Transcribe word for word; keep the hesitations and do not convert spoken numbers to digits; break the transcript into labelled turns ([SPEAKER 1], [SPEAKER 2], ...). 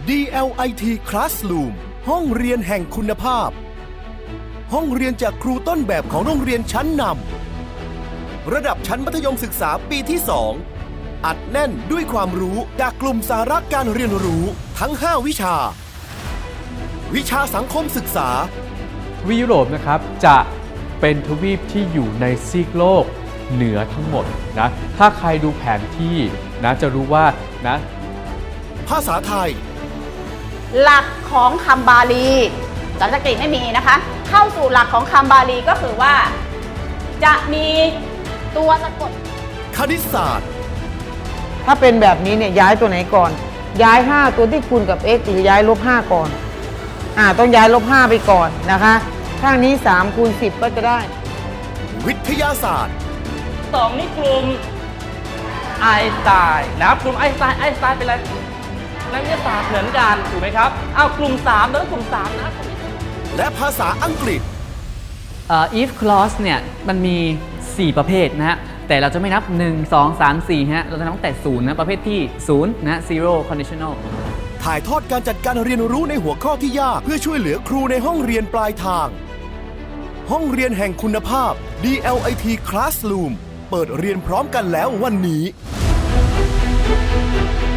[SPEAKER 1] ดี แอล ไอ ที Classroom ห้องเรียนแห่งคุณภาพ ห้องเรียนจากครูต้นแบบของโรงเรียนชั้นนำระดับชั้นมัธยมศึกษาปีที่ สอง อัดแน่นด้วยความรู้จากกลุ่มสาระการเรียนรู้ทั้ง ห้า วิชา วิชาสังคมศึกษา
[SPEAKER 2] วิยุโรปนะครับจะเป็นทวีปที่อยู่ในซีกโลกเหนือทั้งหมดนะถ้าใครดูแผนที่นะจะรู้ว่านะ
[SPEAKER 1] ภาษาไทย
[SPEAKER 3] หลักของคำบาลีสันสกฤตไม่มีนะคะ เข้าสู่หลักของคำบาลีก็คือว่า จะมีตัวสะกด
[SPEAKER 1] คณิตศาสตร์
[SPEAKER 4] ถ้าเป็นแบบนี้เนี่ยย้ายตัวไหนก่อนย้ายห้าตัวที่คูณกับ x หรือย้ายลบห้าก่อนอ่าต้องย้ายลบห้าไปก่อนนะคะข้างนี้สามคูณสิบก็จะได้
[SPEAKER 1] วิทยาศาสตร์
[SPEAKER 5] สองนี่กลุ่มไอน์สไตน์นะครับกลุ่มไอน์สไตน์ไอน์สไตน์เป็นอะไรนักวิทยาศาสตร์เหมือนกันถูกไหมครับอ้าวกลุ่มสามแล้วกลุ่มสามนะ
[SPEAKER 1] และภาษาอังกฤษ
[SPEAKER 6] uh, if clause เนี่ยมันมีสี่ประเภทนะฮะแต่เราจะไม่นับหนึ่ง สอง สาม สี่ฮะเราจะนับตั้งแต่ศูนย์นะประเภทที่ศูนย์นะ zero conditional
[SPEAKER 1] ถ่ายทอดการจัดการเรียนรู้ในหัวข้อที่ยากเพื่อช่วยเหลือครูในห้องเรียนปลายทางห้องเรียนแห่งคุณภาพ ดี แอล ไอ ที Classroom เปิดเรียนพร้อมกันแล้ววันนี้